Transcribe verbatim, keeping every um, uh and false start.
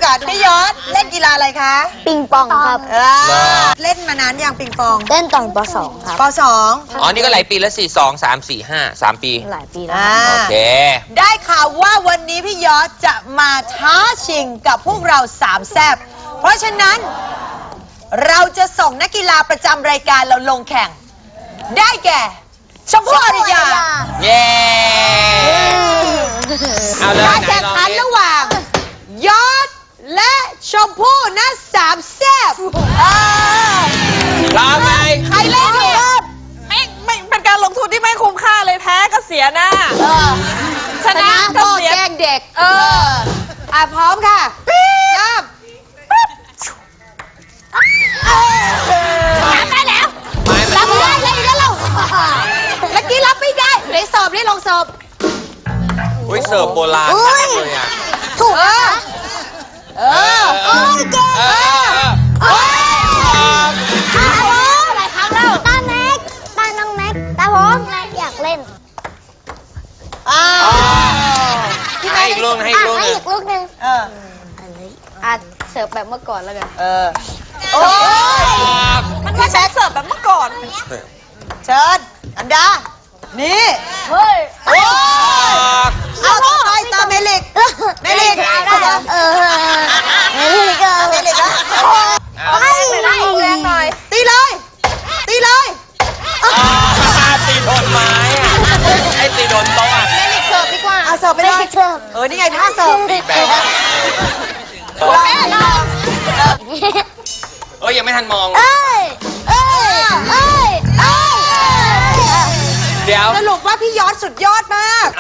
ก่อนพี่ยศเล่นกีฬาอะไรคะปิงปองครับเออเล่นมานานยังปิงปองเล่นตอนป สองครับปสองอ๋อ นี่ก็หลายปีแล้วสี่สองสามสี่ห้าสามปีหลายปีแล้วอ่าโอเคได้ข่าวว่าวันนี้พี่ยศจะมาท้าชิงกับพวกเราสามแซบเพราะฉะนั้นเราจะส่งนักกีฬาประจำรายการเราลงแข่ง ได้แก่ชมพู่อริยาเย้ เอาเลยการแข่งขันระหว่างยศและชมพู่นะสามแซบอ่าพร้อมไหมใครเล่นเนี่ยไม่ไม่เป็นการลงทุนที่ไม่คุ้มค่าเลยแพ้ก็เสียหน้าเออชนะก็พ่อเสียแกล้งเด็กเอออ่ะพร้อมค่ะเริ่มรับได้แล้วไม่ไม่รับไม่ได้เลยแล้วเราเมื่อกี้รับไม่ได้เดี๋ยวสอบนี่ลงสอบอุ้ยเสิร์ฟโบราณอุ้มาย กเลยอ่ะถูกเออเออโอ้ยเก่งเอเอออโอ้ยหลายครั้งแล้วตาแม็กตาน้องแม็กตาผมอยากเล่นอ่าให้อีกลูกให้อีกลูกหให้นึ่งอีกลูกหนึ่งเอออ่ะเสิร์ฟแบบเมื่อก่อนแล้วกันเออโอ้ยมันไม่ใช่เสิร์ฟแบบเมื่อก่อนเชิญอันดานี่เฮ้ยโอ้ยเอาต่อไปตามเมลิกเมลิกเออเมลิกเมลิกแล้วให้ให้แรงหน่อยตีเลย ตีเลยอ๋อตีโดนไม้อ่ะไอ้ตีโดนโต๊ะอ่ะเมลิกเสิร์ฟดีกว่าเอาเสิร์ฟไปเลยเออนี่ไงท่าเสิร์ฟแบบแม่ลองเอ้ยยังไม่ทันมองเอ้ยเอ้ยเอ้ยเอ้ยเดี๋ยวสรุปว่าพี่ยอดสุดยอดมาก